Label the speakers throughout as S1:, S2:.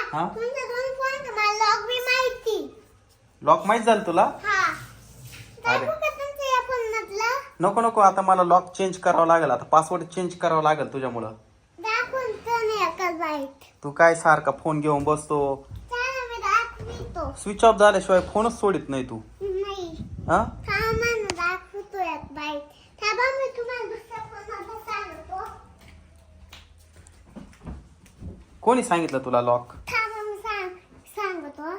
S1: हा
S2: तुमचा दोन फोन तर मला लॉक बी माहिती.
S1: लॉक माहित झालं तुला?
S2: हा.
S1: अरे.
S2: दाखवू का तुमच्या या फोनमधला?
S1: नको नको आता मला लॉक चेंज करावं लागेल आता पासवर्ड चेंज करावं लागेल तुझ्यामुळं.
S2: दाखवून तर नाही एकच बाईट.
S1: तू काय सारखा फोन घेऊन बसतो
S2: चला मी दाखवतो.
S1: स्विच ऑफ झाल्याशिवाय फोनच सोडित नाही तू.
S2: नाही.
S1: हा
S2: थांबा ना दाखवतो एक बाईट. थांबा मी तुम्हाला दुसऱ्या फोनमधलं सांगतो.
S1: कोणी सांगितलं तुला लॉक?
S2: थांबा मी सांगतो.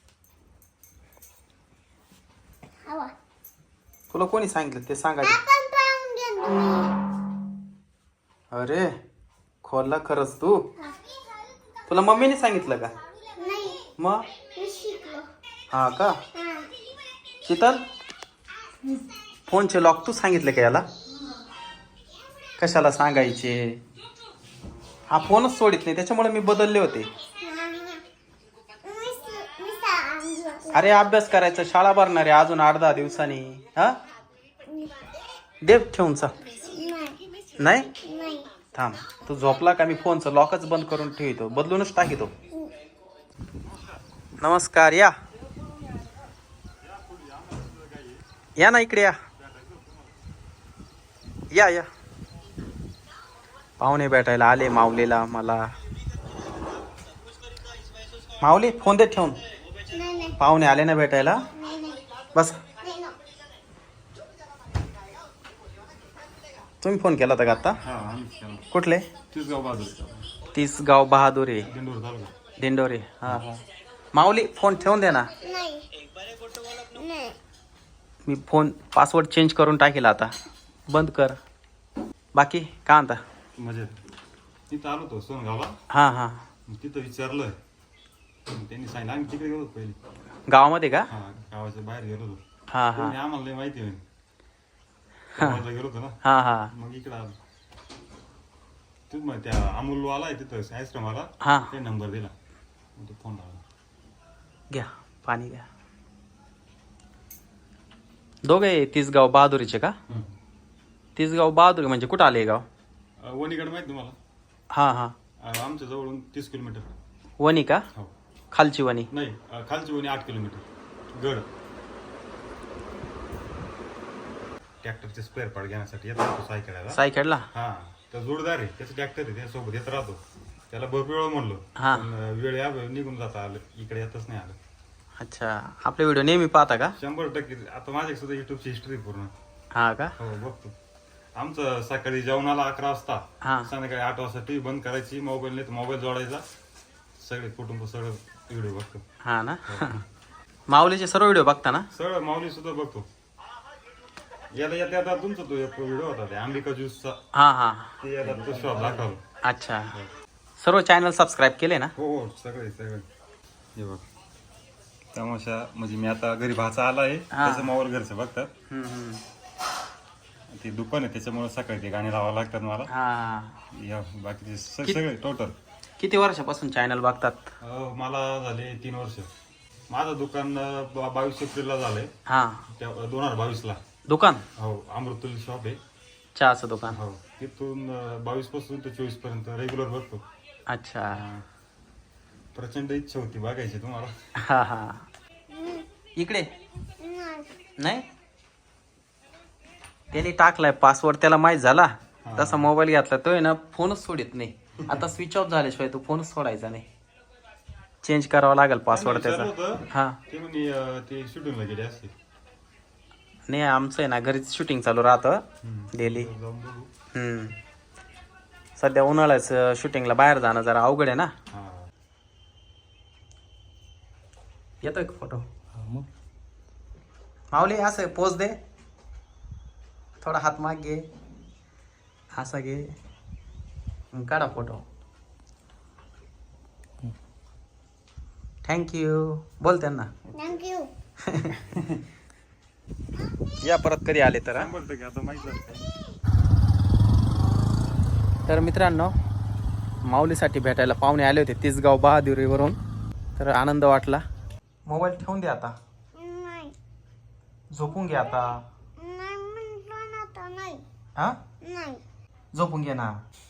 S2: हवा.
S1: तुला कोणी सांगितलं ते सांगायचं.
S2: आपण पाहून घ्या तुम्ही.
S1: अरे खोलला खरंच तू. तुला मम्मीने सांगितलं का?
S2: नाही.
S1: मग
S2: मी शिकलो.
S1: हा का?
S2: हा.
S1: शीतल फोनचे लॉक तू सांगितले का याला? कशाला सांगायचे? हा फोनच सोडित नाही त्याच्यामुळे मी बदलले होते. अरे अभ्यास करायचा शाळा भरणार आहे अजून 8-10 दिवसांनी. हा देव ठेवून चा नाही
S2: नाही.
S1: थांब तू झोपला का मी फोनचं लॉकच बंद करून ठेवतो बदलूनच टाकीतो. नमस्कार या या ना इकडे या या या पाहुणे भेटायला आले माऊलीला मला. माऊली फोन दे ठेवून.
S2: नाही.
S1: पाहुणे आले ना भेटायला. बस तुम्ही फोन केला होता का आता? कुठले? तीसगाव बहादूर आहे दिंडोरे. हा हा माऊली फोन ठेवून दे ना.
S2: नाही.
S1: मी फोन पासवर्ड चेंज करून टाकेल आता बंद कर. बाकी काय म्हणता?
S3: म्हणजे तिथं आलो होतो सोनगावला.
S1: हां हां
S3: तिथं विचारलं त्यांनी सांगितलं आम्ही तिकडे गेलो पहिले.
S1: गावामध्ये का?
S3: हा गावाच्या बाहेर गेलो होतो.
S1: हां हां
S3: आम्हाला नाही माहिती होईल गेलो होतो ना.
S1: हां हां
S3: मग इकडं आलो. तू मग त्या अमूल आलाय तिथं आईस्क्रीमवाला.
S1: हां
S3: ते नंबर दिला मग तो फोन लावला.
S1: घ्या पाणी घ्या. दोघे तीसगाव बहादुरीचे का? तीसगाव बहादुरी म्हणजे कुठं आले गाव?
S3: वणीगड माहिती तुम्हाला?
S1: हां हां
S3: आमच्या जवळून 30 किलोमीटर.
S1: वणी का?
S3: हो.
S1: खालची वणी?
S3: नाही खालची वणी 8 किलोमीटर. गड ट्रॅक्टरचे स्पेअर पार्ट घेण्यासाठी येतो तो सायकलला.
S1: सायकडला?
S3: हा तर जोडदार आहे त्याचं ट्रॅक्टर आहे त्यासोबत येत राहतो. त्याला भरपूर वेळ म्हणलो
S1: हा.
S3: पण वेळ या निघून जाता आलं इकडे येतच नाही आलं.
S1: अच्छा आपले व्हिडिओ नेहमी पाहता का?
S3: 100% आता माझ्या सुद्धा युट्यूबची हिस्ट्री पूर्ण.
S1: हा का?
S3: हो बघतो. आमचं सकाळी जेवणाला 11 वाजता
S1: हा
S3: संध्याकाळी 8 वाजता टीव्ही बंद करायची. मोबाईल नाही तर मोबाईल जोडायचा. सगळे कुटुंब सगळं व्हिडिओ बघतो.
S1: हा ना माऊलीचे सर्व व्हिडिओ बघता ना?
S3: सगळं माऊली सुद्धा बघतो. याला येता येता तुमचा तो एक व्हिडिओ होता ते अंबिका ज्यूसचा.
S1: हा हा
S3: ते याला तो शॉप दाखवला.
S1: अच्छा सर्व चॅनल सबस्क्राईब केले ना?
S3: हो हो सगळे सगळे. हे बघ तमाशा म्हणजे मी आता घरी भाचा आला आहे त्याचं मोबाईल घरचं बघतात. ते दुकान आहे त्याच्यामुळे सकाळी ते गाणी लावावं लागतात मला.
S1: हा
S3: या बाकीचे सगळे टोटल.
S1: किती वर्षापासून चॅनल बघतात?
S3: मला झाले 3 वर्ष. माझं दुकान 22 एप्रिलला झालंय.
S1: हा
S3: 2022 ला.
S1: दुकान?
S3: हो अमृतुल्य शॉप आहे.
S1: चहाचं दुकान?
S3: हो तिथून 22 पासून ते 24 पर्यंत रेग्युलर बघतो.
S1: अच्छा
S3: प्रचंड इच्छा होती बघायची तुम्हाला.
S1: हा हा इकडे नाही त्याने टाकलाय पासवर्ड त्याला माहित झाला तसा मोबाईल घेतला तो आहे ना फोनच सोडित नाही. आता स्विच ऑफ झाल्याशिवाय तो फोनच सोडायचा नाही. चेंज करावा लागेल पासवर्ड त्याचा. हा
S3: ते म्हणे ते शूटिंगला गेले असते.
S1: नाही आमचं आहे ना घरीच शूटिंग चालू राहतं डेली. सध्या उन्हाळ्याच शूटिंगला बाहेर जाणं जरा अवघड आहे ना. येतोय का फोटो? माऊली असं पोज दे थोडा हात माग घे असा घे काढा फोटो. थँक्यू बोल त्यांना.
S2: थँक्यू.
S1: या परत कधी आले तर.
S3: आता माहिती.
S1: तर मित्रांनो माऊलीसाठी भेटायला पाहुणे आले होते तीसगाव बहादुरीवरून. तर आनंद वाटला. मोबाईल ठेवून दे आता.
S2: नाही.
S1: झोपून घे आता.
S2: नाही म्हणतो ना आता नाही.
S1: हा
S2: नाही.
S1: झोपून घे ना.